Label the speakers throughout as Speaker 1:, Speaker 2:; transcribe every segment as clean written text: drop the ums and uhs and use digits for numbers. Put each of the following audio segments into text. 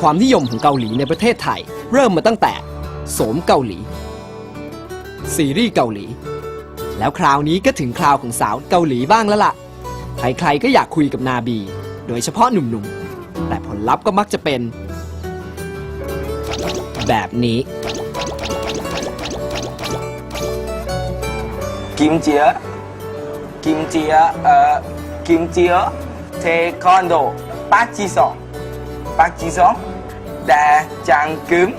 Speaker 1: ความนิยมของเกาหลีในประเทศไทยเริ่มมาตั้งแต่โสมเกาหลีซีรีส์เกาหลีแล้วคราวนี้ก็ถึงคราวของสาวเกาหลีบ้างแล้วล่ะใครๆก็อยากคุยกับนาบีโดยเฉพาะหนุ่มๆแต่ผลลัพธ์ก็มักจะเป็นแบบนี้
Speaker 2: กิมเจียเทควันโดปักจีซองแดจังกึม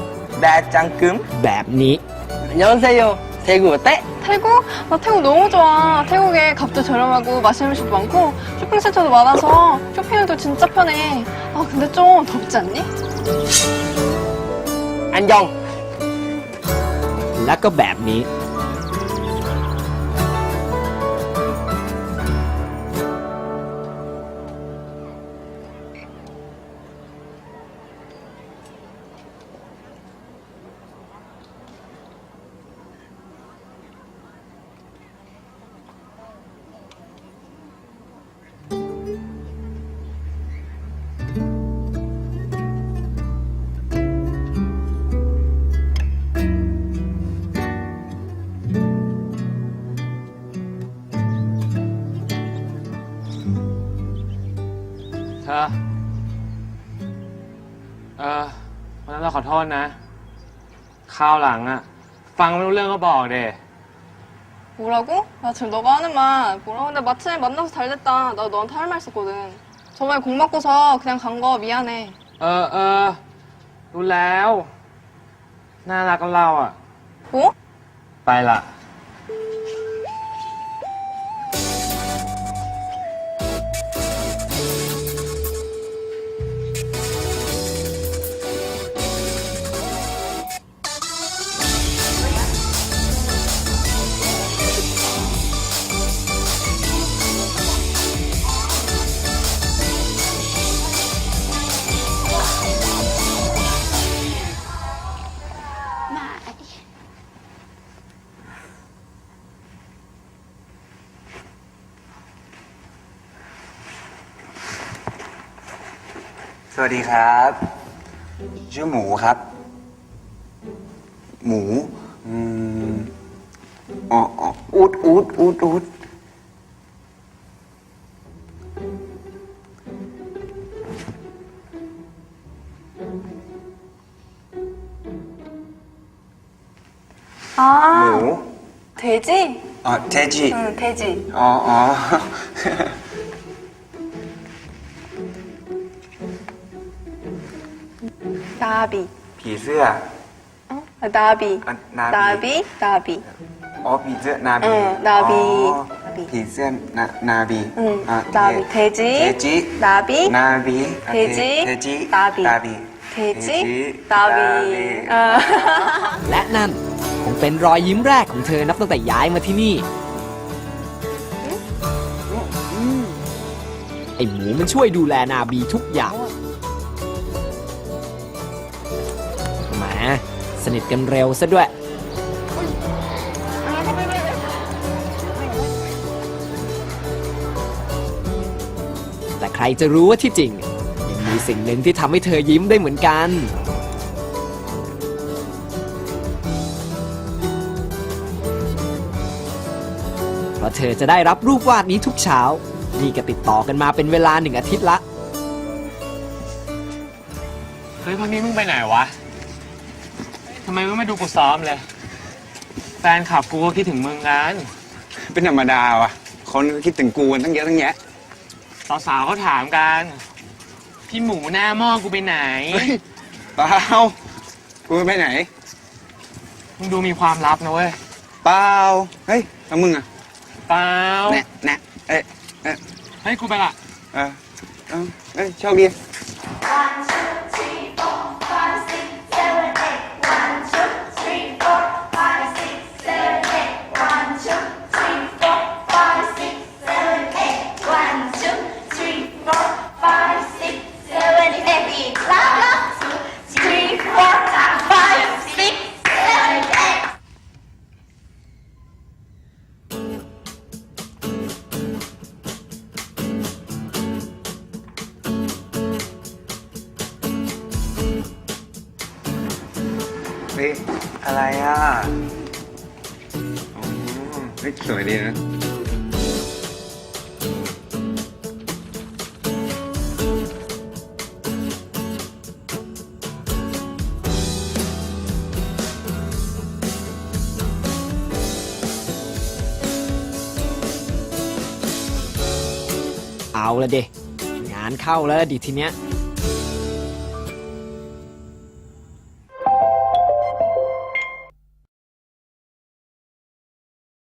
Speaker 1: แบบนี้
Speaker 2: 안녕하세요 대구 어때?
Speaker 3: 태국? 나 태국 너무 좋아. 태국에 값도 저렴하고 맛있는 음식도 많고 쇼핑센터도 많아서 쇼핑해도 진짜 편해. 아 근데 좀 덥지 않니?
Speaker 2: 안녕
Speaker 1: และก็แบบนี้
Speaker 4: เธอวันนั้นเราขอโทษนะคราวหลังอะฟังไม่รู้เรื่องก็บอกเด้
Speaker 3: 뭐라고? 나 지금 너가 하는 말 뭐라고? 근데 마침에 만나서 잘 됐다. 나 너한테 할 말 있었거든. 저번에 공 맞고서 그냥 간 거 미안해.
Speaker 4: รู้แล้วน่ารักกับเราอะ
Speaker 3: 뭐?
Speaker 4: ไปละ
Speaker 5: สวัสดีครับชื่อหมูครับหมูอูด
Speaker 3: 아
Speaker 5: หมู
Speaker 3: 돼지?
Speaker 5: อ๋อเทจิ
Speaker 3: 응 돼지.
Speaker 5: อ๋อ
Speaker 3: 나비.
Speaker 5: ผีเสื้อ
Speaker 3: 어? 아, 나비.
Speaker 5: 아, 나비.
Speaker 3: 나비.
Speaker 5: อ๋อผีเสื้อนาบี
Speaker 3: นาบี
Speaker 5: อ๋อผีเสื้อนาบี
Speaker 3: 응
Speaker 5: อ่ะ
Speaker 3: 나비. 돼지.
Speaker 5: เทจิ
Speaker 3: 나비.
Speaker 5: นาบี
Speaker 3: เทจิ
Speaker 5: เทจิ
Speaker 3: นาบี
Speaker 5: นาบี
Speaker 3: 돼지.
Speaker 5: 나비.
Speaker 3: 나비. 어.
Speaker 1: และนั่นคงเป็นรอยยิ้มแรกของเธอนับตั้งแต่ย้ายมาที่นี่ไอหมูมันช่วยดูแลนาบีทุกอย่างแหมสนิทกันเร็วซะด้วยแต่ใครจะรู้ว่าที่จริงยังมีสิ่งหนึ่งที่ทำให้เธอยิ้มได้เหมือนกันเพราะเธอจะได้รับรูปวาดนี้ทุกเช้านี่ก็ติดต่อกันมาเป็นเวลา1 อาทิตย์ละ
Speaker 4: เฮ้ยพักนี้มึงไปไหนวะทำไมมึงไม่ดูกูซ้อมเลยแฟนคลับกูก็คิดถึงมึงกัน
Speaker 5: เป็นธรรมดาวะคนก็คิดถึงกูกันตั้งเยอะตั้งแยะ
Speaker 4: สาวๆเขาถามกันพี่หมูหน้าหม้อกูไปไหน
Speaker 5: เฮ้ยเปล่ากูไปไหน
Speaker 4: มึงดูมีความลับนะเว้ย
Speaker 5: เปล่าเฮ้ยแล้วมึงอ่ะ
Speaker 4: เปล่า
Speaker 5: แน่เอ้ย
Speaker 4: ให้กูไปละ
Speaker 5: เอ้ยโชคดี
Speaker 1: แ
Speaker 5: เฮ้ย
Speaker 2: อะไรอ่ะ
Speaker 5: อ๋อเฮ้ยสวยดีนะ
Speaker 1: เอาละเดงานเข้าแล้วดิทีเนี้ย